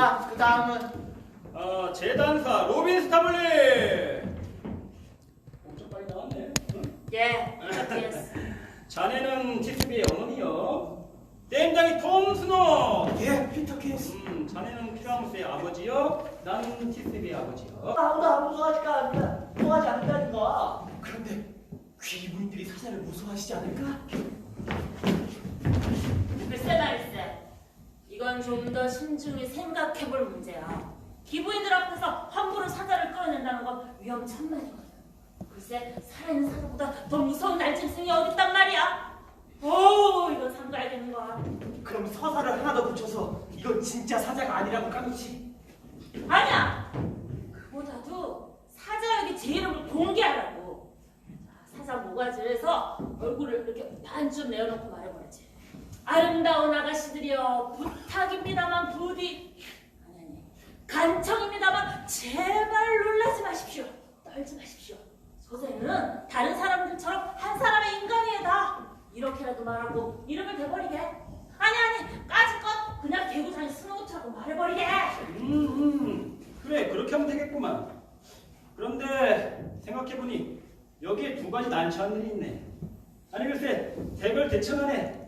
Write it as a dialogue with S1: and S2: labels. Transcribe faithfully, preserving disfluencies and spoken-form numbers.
S1: 자, 그 다음은
S2: 어, 재단사 로빈 스타블리. 엄청 빨리 나왔네. 응?
S3: 예, 이렇게
S2: 자네는 티스비의 어머니요. 게임장이 톰 스노.
S1: 예, 피터 킨스.
S2: 음, 자네는 피라무스의 아버지요. 나는 티스비의 아버지요.
S4: 아무도 안 무서워하지가 않는다. 무서워하지 않는다니까.
S1: 그런데 귀부인들이 사자를 무서워하시지 않을까?
S3: 글쎄 말일세. 이건 좀 더 신중히 생각해볼 문제야. 기부인들 앞에서 함부로 사자를 끌어낸다는 건 위험천만이거든. 글쎄 살아있는 사자보다 더 무서운 날짐승이 어딨단 말이야. 오, 이건 삼가야겠는 거야.
S1: 그럼 서사를 하나 더 붙여서 이건 진짜 사자가 아니라고 까놓지.
S3: 아니야. 그보다도 사자에게 제 이름을 공개하라고. 자, 사자 모가지에서 얼굴을 이렇게 반쯤 내어놓고 말해버리지. 아름다운 아가씨들이여, 부탁입니다만 부디, 아니 아니, 간청입니다만 제발 놀라지 마십시오. 떨지 마십시오. 소생은 다른 사람들처럼 한 사람의 인간이다. 이렇게라도 말하고 이름을 대버리게. 아니 아니, 까짓것 그냥 개구장이 스노우처럼 말해버리게.
S2: 음, 음, 그래 그렇게 하면 되겠구만. 그런데 생각해보니 여기에 두 가지 난처한 일이 있네. 아니 글쎄 대별 대천 안에